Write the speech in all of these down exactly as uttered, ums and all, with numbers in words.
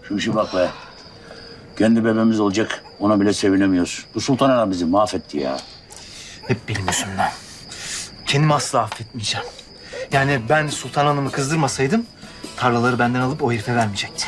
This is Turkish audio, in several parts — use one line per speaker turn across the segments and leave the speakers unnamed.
Şu işe bak be. Kendi bebeğimiz olacak. Ona bile sevinemiyoruz. Bu Sultan Ana bizi mahvetti ya.
Hep benim yüzümden. Kendimi asla affetmeyeceğim. Yani ben Sultan Hanım'ı kızdırmasaydım tarlaları benden alıp o herife vermeyecekti.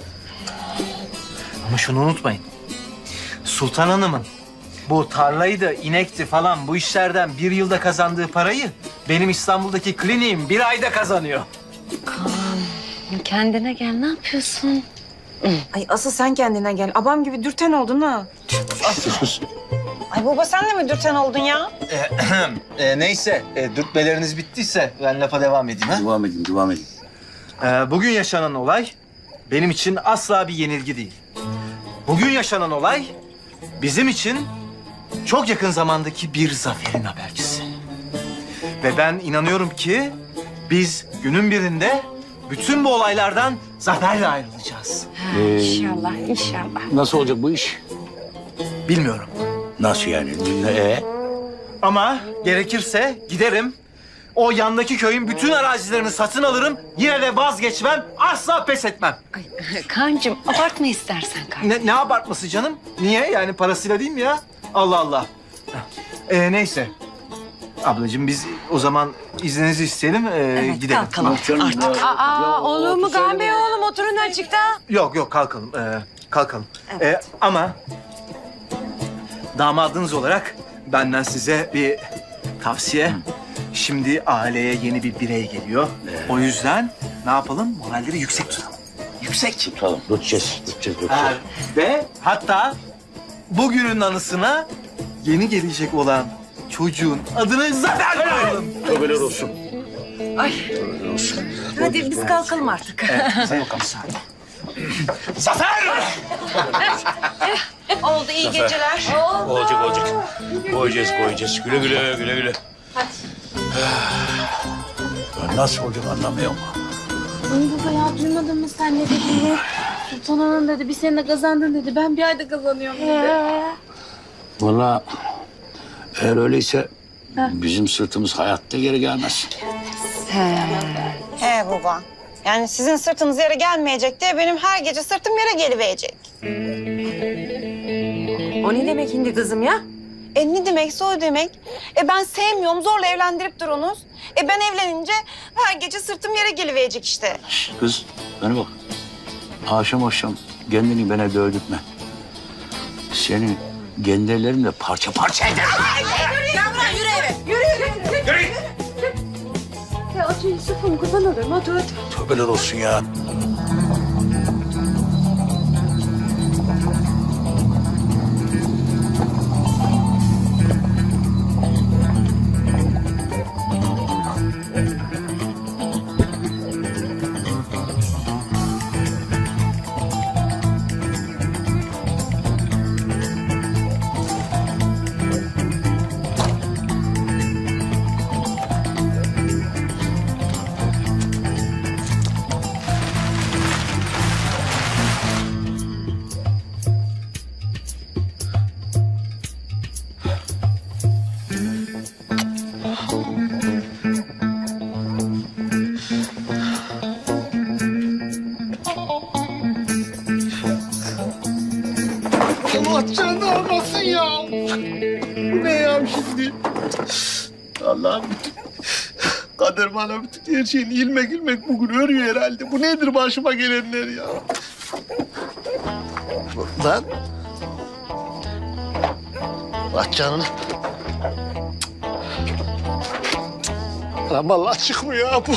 Ama şunu unutmayın. Sultan Hanım'ın bu tarlaydı, inekti falan bu işlerden bir yılda kazandığı parayı benim İstanbul'daki kliniğim bir ayda kazanıyor.
Kaan, kendine gel. Ne yapıyorsun?
Ay asıl sen kendine gel. Abam gibi dürten oldun ha.
Sus sus.
Ay baba sen de mi dürten oldun ya?
e, neyse, e, dürtmeleriniz bittiyse ben lafa devam edeyim. Ha?
Devam edin, devam edin.
Ee, bugün yaşanan olay benim için asla bir yenilgi değil. Bugün yaşanan olay bizim için çok yakın zamandaki bir zaferin habercisi. Ve ben inanıyorum ki biz günün birinde bütün bu olaylardan zaferle ayrılacağız.
Ha,
Ee,
inşallah, inşallah.
Nasıl olacak bu iş?
Bilmiyorum.
Nasıl yani? Ee?
Ama gerekirse giderim. O yandaki köyün bütün arazilerini satın alırım. Yine de vazgeçmem, asla pes etmem.
Ay, Kaan'cığım abartma istersen kardeşim.
Ne, ne abartması canım? Niye? Yani parasıyla değil mi ya? Allah Allah. Ee, neyse. Ablacığım biz o zaman izninizi isteyelim, ee,
Evet,
gidelim.
kalkalım artık.
Aa, olur mu Gamze oğlum? Oturun açıkta.
Yok yok kalkalım, ee, kalkalım.
Evet.
Ee, ama damadınız olarak benden size bir tavsiye. Şimdi aileye yeni bir birey geliyor. O yüzden ne yapalım? Moralleri yüksek tutalım. Yüksek.
Tutalım, tutacağız, tutacağız,
Ha,
tutacağız.
ve hatta bugünün anısına yeni gelecek olan çocuğun adını Zafer koyalım.
Tövbeler olsun.
Hadi biz kalkalım artık.
Sen bakalım. Zafer!
Oldu iyi geceler.
Olacak, olacak. Koyacağız, koyacağız. Güle güle, güle güle. Hadi. Nasıl olacak anlamıyorum.
Ay baba ya duymadın mı sen ne dediğini? Sultan Hanım dedi bir sene kazandın dedi. Ben bir ayda kazanıyorum dedi.
Vallahi eğer öyleyse bizim sırtımız hayatta geri gelmez.
He baba. Yani sizin sırtınız yere gelmeyecek diye benim her gece sırtım yere geliverecek.
O ne demek şimdi kızım ya?
E ne demekse o demek. E ben sevmiyorum zorla evlendirip durunuz. E ben evlenince her gece sırtım yere geliverecek işte.
Kız bana bak. Akşam akşam kendini bana dövdürtme. Seni kendi ellerimle parça parça ederim.
Ya otur Yusuf'um kurban olurum otur otur.
Tövbeler olsun ya.
Allah canını almasın ya. Bu ne ya şimdi? Allah'ım bütün kader bana bütün her şeyini ilmek ilmek bugün örüyor herhalde. Bu nedir başıma gelenler ya? Lan. Allah canını. Lan vallahi çıkmıyor ya bu.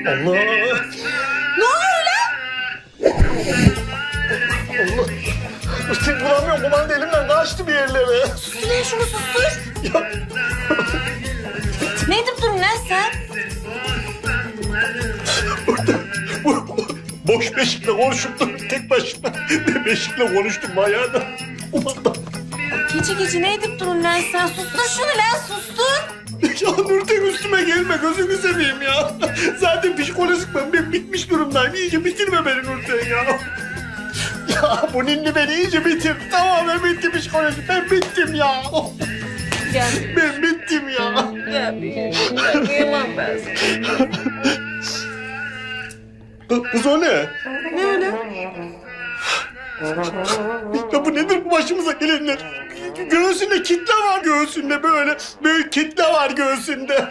Allah.
Ne oluyor lan?
Allah. Nurten bulamıyorum. Kumanda elimden kaçtı bir yerlere.
Sus lan şunu sustur.
Ya.
Ne edip durun lan sen?
Bu, boş beşikle konuşup dur tek başına. Ben beşikle konuştum bayağı da. Kumanda.
Gece gece ne edip durun lan sen? Sustur şunu lan sustur.
Ya Nurten üstüme gelme gözünü seveyim ya. Zaten psikolojik ben, ben bitmiş durumdayım. İyice bitirme beni Nurten ya. Ya bu ninni beni iyice bitir. Tamamen bitti psikolojik. Ben bittim ya.
Gel.
Ben bittim ya.
Gel. Gel. Kıyamam ben sana.
Kız, kız o ne?
Ne öyle?
Ya bu nedir bu başımıza gelenler? Göğsünde kitle var göğsünde böyle. Böyle kitle var göğsünde.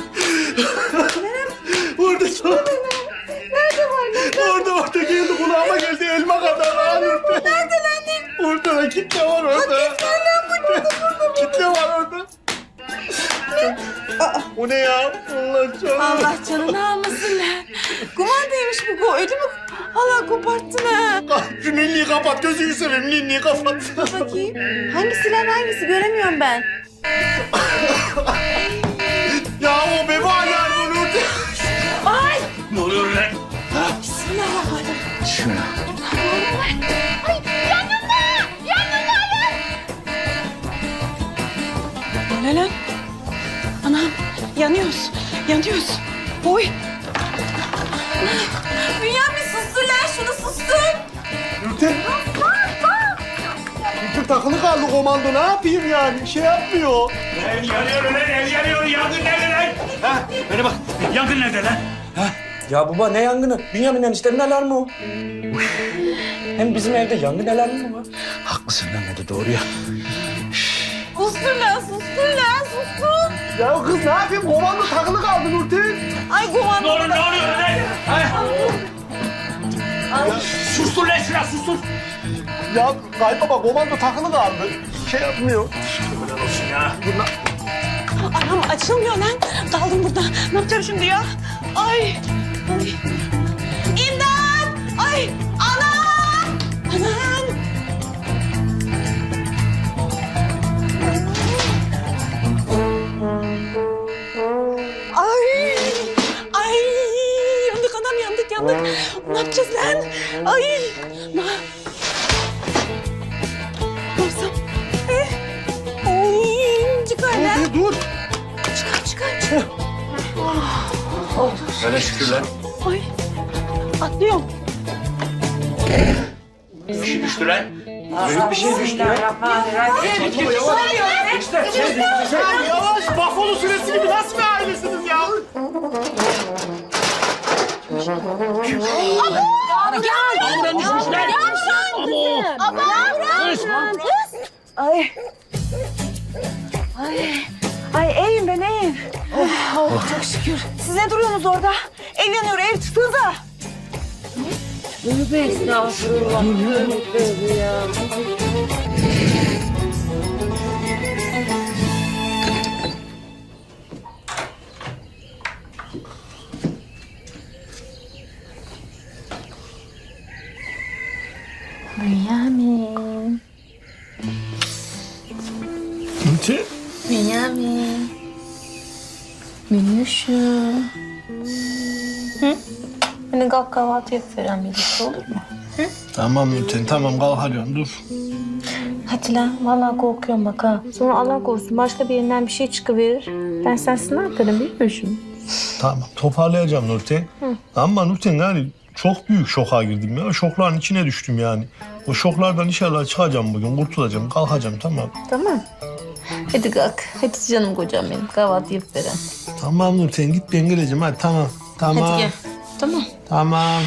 Orada
Nerede var? Nerede?
orada orada geldi kulağıma geldi elma kadar. Aa, Nurten.
Nerede lan?
Orada da kitle var orada.
Kitle lan burada burada.
Kitle var orada. Bu ne ya? Allah canım.
Allah canını almasın lan. Kumandaymış bu. Bu ödümü hala koparttın ha.
Şu ninniyi kapat gözünü seveyim ninniyi kapat.
Bakayım. Hangisi lan hangisi göremiyorum ben.
Ya o beba yani bu Nurten.
Ay.
Ne oluyor lan?
Bismillahirrahmanirrahim.
Şuna.
O ne lan? Anam yanıyoruz. Yanıyoruz. Oy. Bünyamin sustur lan şunu sustur.
Nurten. Nurten takılı kaldı komando ne yapayım yani? Bir şey yapmıyor.
Ev yanıyor lan, ev yanıyor. Yangın nerede lan? Ha? Bana bak, yangın nerede lan?
Ya baba ne yangını? Bünyamin eniştemin alarmı o. Hem bizim evde yangın alarmı mı var?
Haklısın lan, o da doğru ya.
Sustur lan sustur lan sustur.
Ya kız ne yapayım? Komando takılı kaldı Nurten.
Ay kumanda.
Ne oluyor, ne oluyor lan? Ha? Sustur lan şuna, sustur.
Ya kaybaba komando takılı kaldı. Şey yapmıyor.
Ya.
Anam açılmıyor lan. Kaldım burada. Ne yapacağım şimdi ya? Ay. Ay. İmdat. Ay. Anam. Anam. Ay. Ay. Yandık anam yandık yandık. Ne yapacağız lan? Ay. Ne, ne yapsam? Eh. Ay. Çıkar lan.
Dur.
Çıkar çıkar çıkar.
Öyle şükür lan.
Ay. Atlıyorum.
Bir şey düştü lan.
Büyük bir şey düştü ya.
Ya yavaş Buffalo süresi gibi nasıl bir ailesiniz ya?
Ay. Ay. Ay iyiyim ben iyiyim. Oh, çok şükür. Siz ne duruyorsunuz orada? Ev yanıyor, ev çıktığınızda.
Bünyamin.
Nurten.
Bünyamin. Minnoşum. Hı? Hani kalk kahvaltı yap Ferhan birlikte olur mu?
Tamam Nurten tamam kalkarıyorum dur.
Hadi lan vallahi korkuyorum bak ha. Sonra Allah korusun başka bir yerinden bir şey çıkıverir. Ben sensin ne yaparım biliyor musun?
Tamam toparlayacağım Nurten. Ama Nurten yani çok büyük şoka girdim ya. Şokların içine düştüm yani. O şoklardan inşallah çıkacağım bugün, kurtulacağım, kalkacağım tamam.
Tamam. Hadi kalk. Hadi canım kocam benim. Kahvaltı yap Ferhan.
Tamam Nurten git ben geleceğim hadi tamam. Tamam.
Hadi gel. Tamam.
Tamam.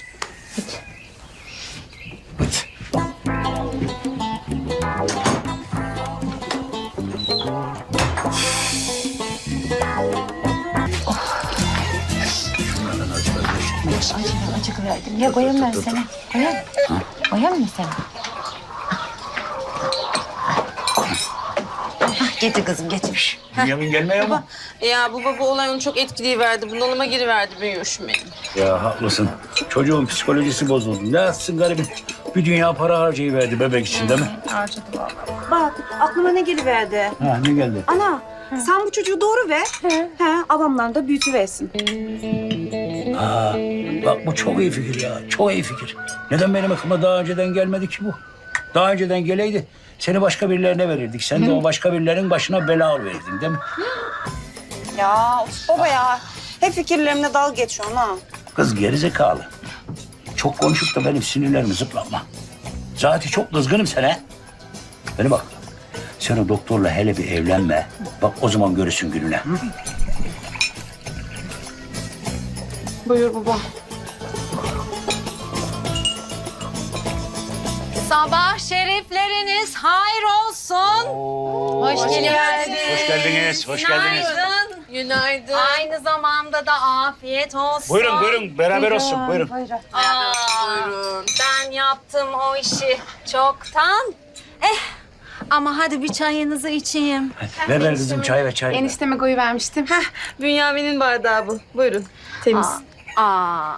Acı, acı verdim. Ya koyayım ben seni. Koyayım. Koyayım mı seni?
Getir kızım getir.
Bünyamin gelmiyor mu?
Ya baba bu olay onu çok etkileyiverdi. Bunalıma giriverdi büyüyormuş benim.
Ya haklısın. Çocuğun psikolojisi bozuldu. Ne yapsın garibim? Bir dünya para harcayıverdi bebek için değil mi?
Bak aklıma ne geliverdi.
Ha ne geldi?
Ana sen bu çocuğu doğru ver. He, babamlar da büyütüversin.
Ha, bak bu çok iyi fikir ya. Çok iyi fikir. Neden benim aklıma daha önceden gelmedi ki bu? Daha önceden geleydi seni başka birilerine verirdik. Sen de o başka birilerinin başına bela oluverdin değil mi?
Ya of baba ya. Hep fikirlerimle dalga geçiyorsun ha.
Kız gerizekalı. Çok konuşup da benim sinirlerimi zıplatma. Zaten çok kızgınım sana. Beni bak. Sen o doktorla hele bir evlenme. Bak o zaman görürsün gününe.
Buyur baba.
Sabah şerifleriniz hayır olsun.
Hoş geldin.
Hoş geldiniz, hoş geldiniz.
Günaydın.
Günaydın.
Aynı zamanda da afiyet olsun.
Buyurun, buyurun. Beraber olsun, buyurun.
Aa, ben yaptım o işi çoktan. Eh ama hadi bir çayınızı içeyim.
Ver ver kızım çay ve çay.
Enişteme koyu vermiştim. Heh, Bünyamin'in bardağı bu. Buyurun. Temiz.
Aa.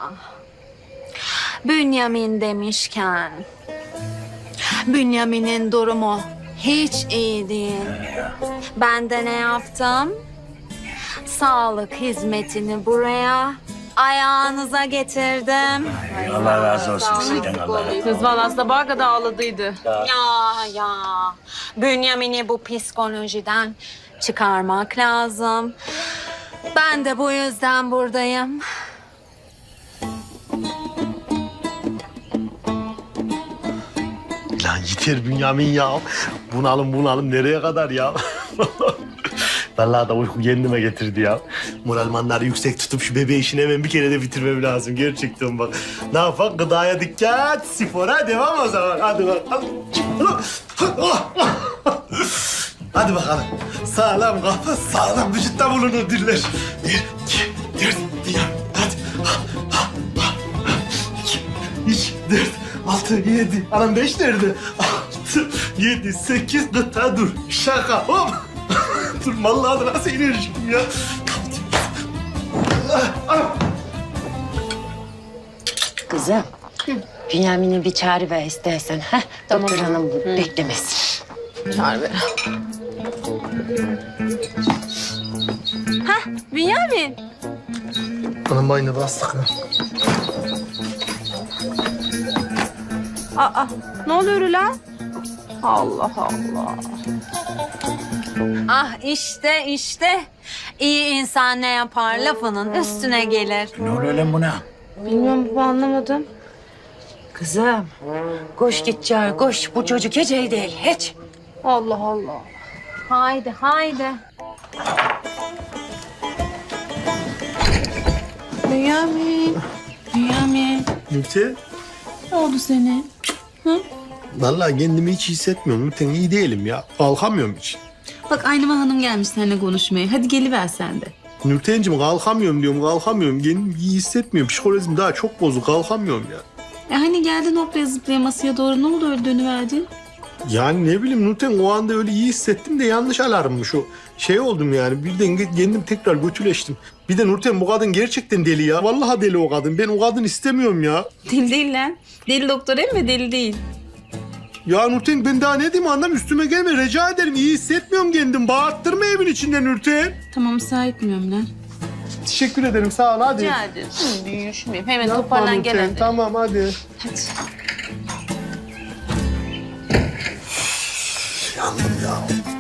Bünyamin demişken. Bünyamin'in durumu hiç iyi değil. Ben de ne yaptım? Sağlık hizmetini buraya ayağınıza getirdim.
Allah razı olsun sizden Allah.
Kız valla sabaha kadar ağladıydı.
Ya ya. Bünyamin'i bu psikolojiden çıkarmak lazım. Ben de bu yüzden buradayım.
Lan yeter Bünyamin ya. Bunalım bunalım nereye kadar ya? Vallahi da uyku kendime getirdi ya. Moralmanları yüksek tutup şu bebeği işini hemen bir kere de bitirmem lazım. Gerçekten bak. Ne yapak? Gıdaya dikkat, spora devam o zaman. Hadi bakalım. Hadi bakalım. Sağlam kafa, sağlam vücutta bulunur diller. Bir, iki, dört, bir, hadi. İki, üç, dört, altı, yedi. Anam beş nerede? Altı, yedi, sekiz, gıta dur. Şaka, hop. Dur, vallahi da nasıl enerjim ya.
Kızım, Bünyamin'e bir çağrı ver istersen. Heh, doktor hanım beklemesin.
Çağır ver. Hah Bünyamin.
Anam bayına bastık lan.
Aa ne oluyor lan? Allah Allah.
Ah işte işte. İyi insan ne yapar lafının üstüne gelir.
Ne oluyor lan buna?
Bilmiyorum baba anlamadım.
Kızım, koş git çağır, koş. Bu çocuk hiç iyi değil, hiç.
Allah Allah.
Haydi haydi.
Bünyamin. Bünyamin.
Nurten,
Ne oldu senin?
vallahi kendimi hiç iyi hissetmiyorum. Nurten iyi değilim ya. Kalkamıyorum hiç.
Bak Aynıma Hanım gelmiş seninle konuşmaya. Hadi geliver sen de.
Nurten'cim kalkamıyorum diyorum, kalkamıyorum. Kendimi iyi hissetmiyorum. Psikolojim daha çok bozuk, kalkamıyorum ya.
E hani geldin hoplaya zıplaya masaya doğru. Ne oldu öyle dönüverdin?
Yani ne bileyim Nurten, o anda öyle iyi hissettim de yanlış alarmmış o. Şey oldum yani, birden kendim tekrar götüleştim. Bir de Nurten, bu kadın gerçekten deli ya. Vallahi deli o kadın. Ben o kadın istemiyorum ya.
Deli değil lan. Deli doktor emme deli değil.
Ya Nurten, ben daha ne diyeyim anlam, üstüme gelme rica ederim. İyi hissetmiyorum kendim. Bağırttırma evin içinde Nurten.
Tamam müsaade etmiyorum lan.
Teşekkür ederim, sağ ol, hadi.
Rica ederim. Hı, büyüşmeyeyim. Hemen
Yapma
toparlan gel
Nurten,
hadi.
tamam hadi. Yandım ya.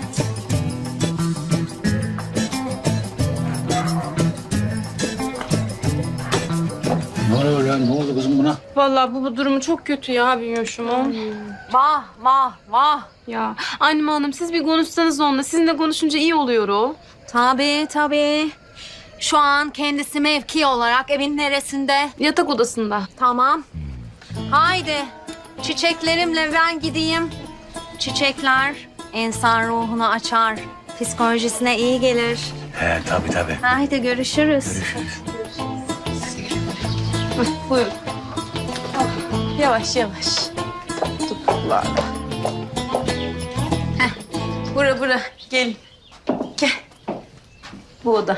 Ne oluyor lan? Ne oldu kızım buna?
Vallahi bu, bu durumu çok kötü ya büyüyorşum.
Vah vah vah.
Ya Aynıma Hanım siz bir konuşsanız onunla. Sizinle konuşunca iyi oluyor o.
Tabii tabii. Şu an kendisi mevki olarak evin neresinde?
Yatak odasında.
Tamam. Haydi. Çiçeklerimle ben gideyim. Çiçekler insan ruhunu açar. Psikolojisine iyi gelir.
He tabii tabii.
Haydi görüşürüz.
Buyur. Yavaş yavaş. Topuklarla. Heh. Bura bura. Gelin. Bu oda.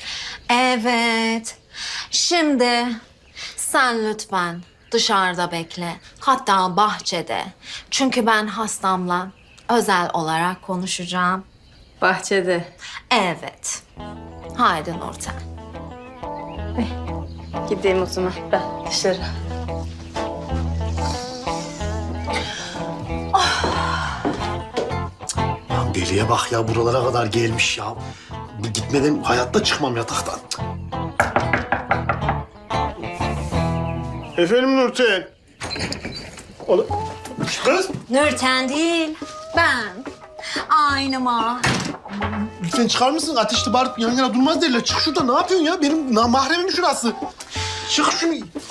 Evet. Şimdi sen lütfen dışarıda bekle. Hatta bahçede. Çünkü ben hastamla özel olarak konuşacağım.
Bahçede.
Evet. Haydi Nurten.
Gideyim o zaman ben dışarı.
Lan deliye bak ya, buralara kadar gelmiş ya. Bu gitmeden hayatta çıkmam yataktan. Efendim Nurten. Ola... Kız,
Nurten değil, ben. Aynıma.
lütfen çıkar mısın? Ateşli bağırıp yan yana durmaz derler. Çık şuradan, ne yapıyorsun ya? Benim na- mahremim şurası. Çık şunu.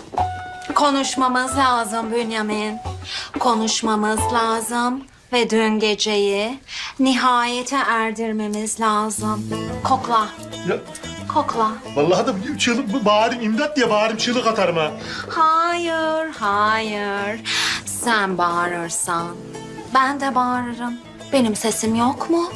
Konuşmamız lazım Bünyamin. Konuşmamız lazım ve dün geceyi nihayete erdirmemiz lazım. Kokla,
Ya,
kokla.
vallahi da çığlık, bağırayım, imdat diye bağırayım, çığlık atarım ha.
Hayır, hayır. Sen bağırırsan ben de bağırırım. Benim sesim yok mu?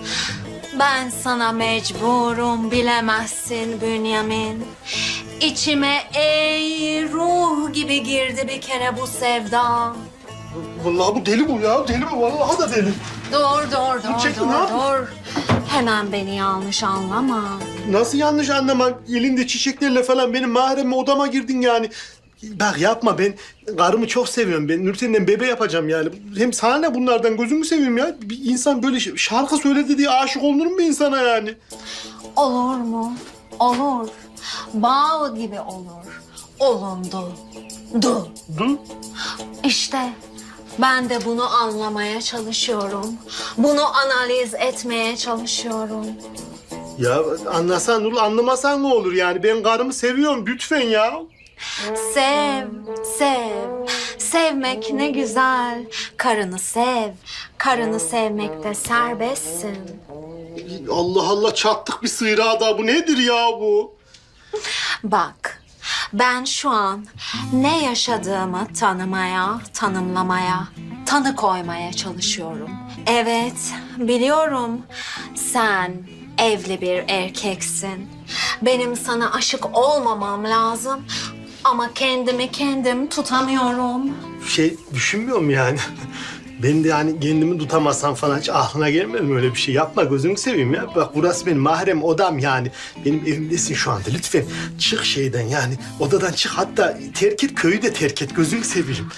Ben sana mecburum, bilemezsin Bünyamin. İçime ey ruh gibi girdi bir kere bu sevda.
Vallahi bu deli bu ya, deli bu. Vallahi da deli.
Dur, dur, dur,
çekil,
dur,
ne yapıyorsun?
dur. Hemen beni yanlış anlama.
Nasıl yanlış anlama? Elinde çiçeklerle falan benim mahreme odama girdin yani. Bak yapma, ben karımı çok seviyorum. Ben Nurten'den bebe yapacağım yani. Hem sana ne bunlardan, gözümü seveyim ya. Bir insan böyle ş- şarkı söyledi diye aşık olunur mu insana yani?
Olur mu? Olur. Bağ gibi olur. Olundu. Du.
Dur.
İşte ben de bunu anlamaya çalışıyorum. Bunu analiz etmeye çalışıyorum.
Ya anlasan Nurul, anlamasan ne olur yani? Ben karımı seviyorum lütfen ya.
Sev, sev. Sevmek ne güzel. Karını sev. Karını sevmekte serbestsin.
Allah Allah, çattık bir sıyrağa da. Bu nedir ya bu?
Bak, ben şu an ne yaşadığımı tanımaya, tanımlamaya, tanı koymaya çalışıyorum. Evet, biliyorum sen evli bir erkeksin. Benim sana aşık olmamam lazım ama kendimi kendim tutamıyorum.
Şey düşünmüyorum yani. Ben de yani kendimi tutamazsam falan hiç aklına gelmedi mi öyle bir şey? Yapma, gözünü seveyim ya. Bak burası benim mahrem odam yani. Benim evimdesin şu anda. Lütfen çık şeyden yani. Odadan çık, hatta terk et, köyü de terk et. Gözünü seveyim.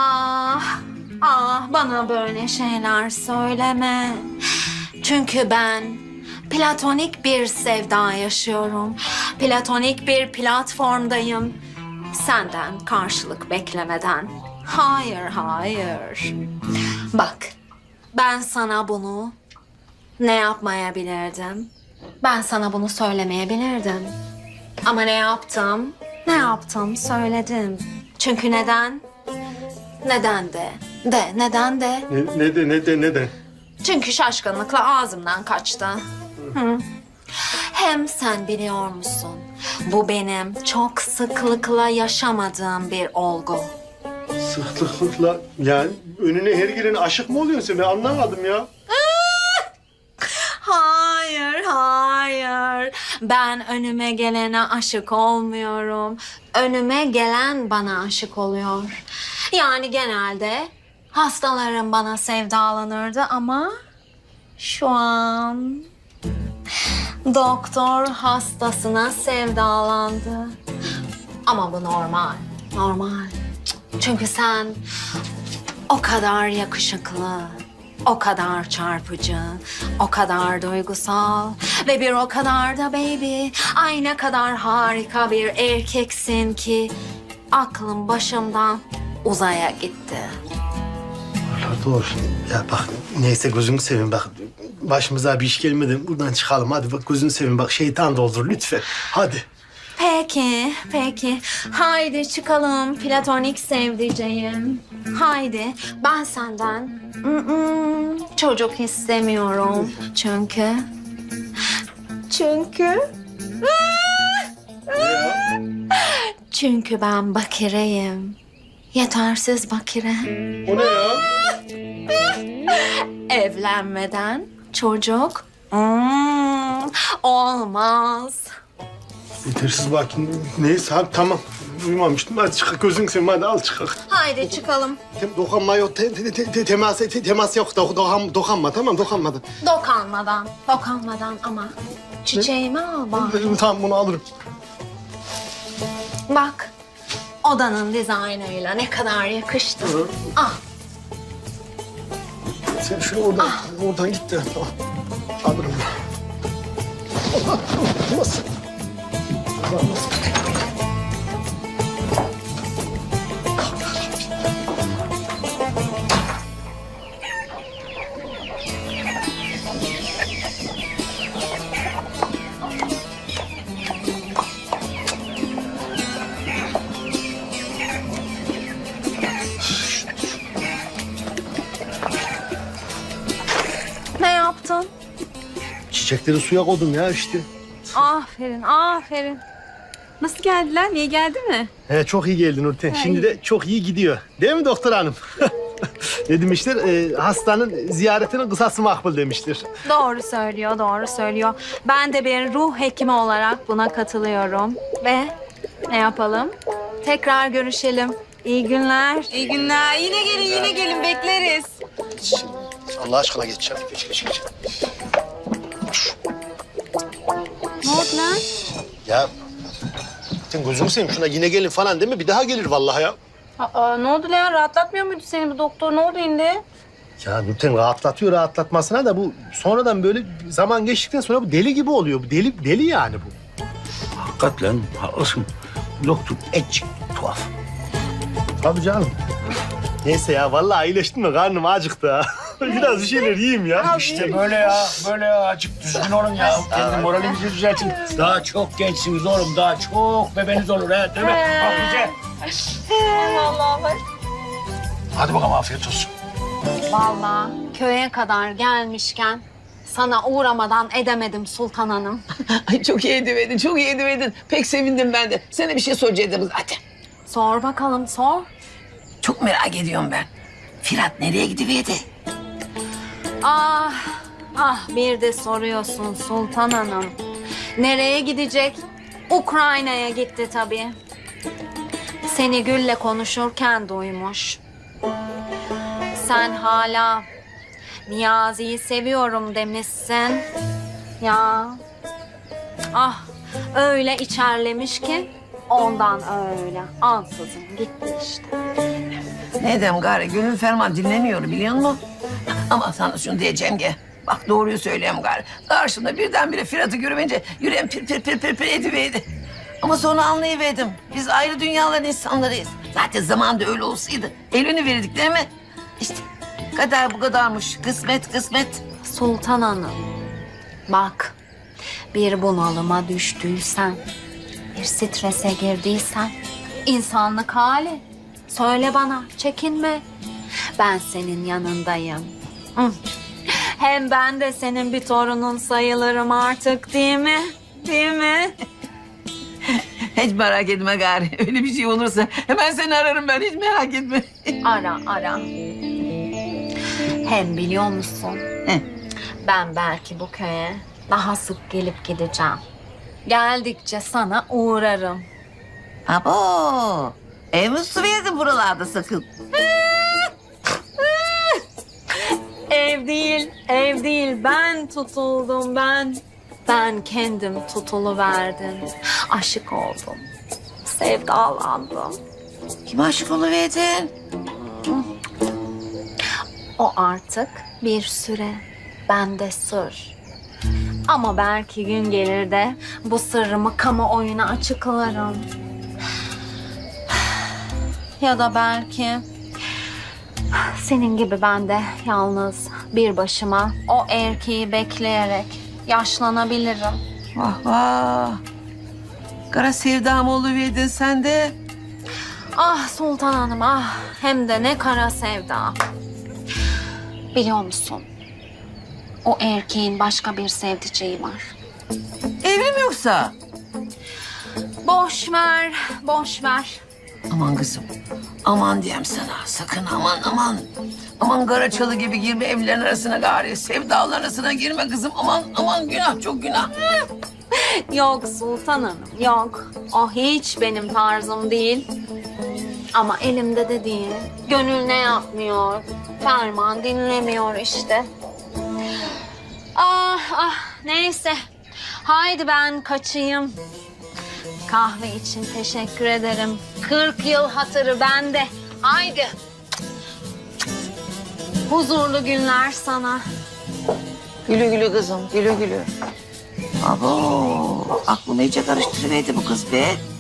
Ah, ah bana böyle şeyler söyleme. Çünkü ben platonik bir sevda yaşıyorum. Platonik bir platformdayım. Senden karşılık beklemeden. Hayır, hayır. Bak, ben sana bunu ne yapmayabilirdim? Ben sana bunu söylemeyebilirdim. Ama ne yaptım? Ne yaptım? Söyledim. Çünkü neden? Neden de? De, neden de?
Ne, ne de ne de neden?
Çünkü şaşkınlıkla ağzımdan kaçtı. Hı. Hem sen biliyor musun? Bu benim çok sıklıkla yaşamadığım bir olgu.
Sıklıkla yani önüne her gelene aşık mı oluyorsun sen? Ben anlamadım ya.
Hayır, hayır. Ben önüme gelene aşık olmuyorum. Önüme gelen bana aşık oluyor. Yani genelde hastalarım bana sevdalanırdı ama şu an doktor hastasına sevdalandı. Ama bu normal, normal. Çünkü sen o kadar yakışıklı, o kadar çarpıcı, o kadar duygusal ve bir o kadar da baby. Ay ne kadar harika bir erkeksin ki aklım başımdan uzaya gitti.
Allah doğru. Ya bak neyse, gözünü seveyim bak. Başımıza bir iş gelmeden buradan çıkalım. Hadi bak, gözünü seveyim bak, şeytan doldur lütfen. Hadi.
Peki, peki. Haydi çıkalım platonik sevdiceğim. Haydi. Ben senden mm-mm, çocuk istemiyorum. Çünkü... Çünkü... Çünkü ben bakireyim. Yetersiz bakire.
O ne ya?
Evlenmeden çocuk... Mm, Olmaz.
Yetersiz bakayım. Neyse abi tamam. Uyumamıştım. Hadi çık gözünü seveyim hadi al çık.
Haydi çıkalım.
Tem, dokunma yok. Te, te, te, te, temas, te, temas yok. Do, dokan, dokanma tamam dokanmadan.
Dokanmadan, dokanmadan ama çiçeğimi al bak.
Tamam bunu alırım.
Bak, odanın dizaynıyla ne kadar yakıştı. Ah,
Sen şunu oradan, oradan git de. Tamam. Alırım ben. Allah, nasıl? Allah, nasıl?
ne yaptın?
Çiçekleri suya koydum ya işte.
Aferin, aferin. Nasıl geldiler? Niye geldi mi?
He, çok iyi geldin Nurten. Şimdi de çok iyi gidiyor. Değil mi doktor hanım? Ne demişler? Ee, hastanın ziyaretinin kısası makbul demiştir.
Doğru söylüyor, doğru söylüyor. Ben de bir ruh hekimi olarak buna katılıyorum. Ve ne yapalım? Tekrar görüşelim. İyi günler. İyi günler. Yine gelin, yine gelin. Bekleriz.
Allah aşkına geç çabuk. Geç, geç, geç.
Ne oldu lan?
Ya sen gözünü seveyim şuna yine gelin falan değil mi? Bir daha gelir vallahi ya.
Aa, ne oldu lan? Rahatlatmıyor muydu seni bu doktor? Ne oldu şimdi?
Ya Nurten rahatlatıyor rahatlatmasına da bu sonradan böyle zaman geçtikten sonra bu deli gibi oluyor. Bu deli deli yani bu.
Hakikaten haklısın. Doktor etçik tuhaf.
Tabii canım. Neyse ya vallahi iyileştim mi karnım acıktı ha. Biraz bir şeyler yiyeyim ya.
İşte böyle ya, böyle ya. Azıcık düzgün olun ya. Kendi moralinizi düzeltin. Daha çok gençsiniz oğlum. Daha çok bebeniz olur ha, değil mi? Bak bize. Hadi bakalım afiyet olsun.
Vallahi köye kadar gelmişken sana uğramadan edemedim Sultan Hanım.
Ay çok iyi ediverdin, çok iyi ediverdin. Pek sevindim ben de. Sana bir şey soracaktım zaten.
Sor bakalım, sor.
Çok merak ediyorum ben. Firat nereye gidiverdi?
Ah, ah bir de soruyorsun Sultan Hanım. Nereye gidecek? Ukrayna'ya gitti tabii. Seni Gül'le konuşurken duymuş. Sen hala Niyazi'yi seviyorum demişsin. Ya, ah öyle içerlemiş ki ondan öyle ansızın gitti işte.
Ne edeyim gari, gönül ferman dinlemiyor biliyor musun? Ama sana şunu diyeceğim ki, bak doğruyu söyleyeyim gari. Karşımda birdenbire Firat'ı görünce yüreğim pir pir pir pir pir ediverdi. Ama sonra anlayıverdim. Biz ayrı dünyaların insanlarıyız. Zaten zamanında öyle olsaydı elini verirdik değil mi? İşte kader bu kadarmış. Kısmet kısmet.
Sultan Hanım, bak bir bunalıma düştüysen, bir strese girdiysen, insanlık hali. Söyle bana, çekinme. Ben senin yanındayım. Hı. Hem ben de senin bir torunun sayılırım artık, değil mi? Değil mi?
Hiç merak etme gari. Öyle bir şey olursa hemen seni ararım ben. Hiç merak etme.
Ara, ara. Hem biliyor musun?
Heh.
Ben belki bu köye daha sık gelip gideceğim. Geldikçe sana uğrarım.
Abo. Ev mi su verdin buralarda sakın?
Ev değil, ev değil. Ben tutuldum, ben. Ben kendim tutuluverdim. Aşık oldum. Sevdalandım.
Kime aşık oluverdin?
O artık bir süre bende sır. Ama belki gün gelir de bu sırrımı kamuoyuna açıklarım. Ya da belki senin gibi ben de yalnız bir başıma o erkeği bekleyerek yaşlanabilirim.
Vah vah. Kara sevdam oluverdin sen de.
Ah Sultan Hanım ah, hem de ne kara sevda. Biliyor musun? O erkeğin başka bir sevdiceği var.
Evli mi yoksa?
Boş ver, boş ver.
Aman kızım. Aman diyeyim sana, sakın aman aman. Aman Karaçalı gibi girme evlerin arasına gari. Sevdaların arasına girme kızım. Aman aman günah, çok günah.
Yok Sultan Hanım, yok. O hiç benim tarzım değil. Ama elimde de değil. Gönül ne yapmıyor? Ferman dinlemiyor işte. Ah ah, neyse. Haydi ben kaçayım. Kahve için teşekkür ederim. Kırk yıl hatırı bende. Haydi. Huzurlu günler sana.
Gülü gülü kızım, gülü gülü. Abo, aklımı iyice karıştırıverdi bu kız be.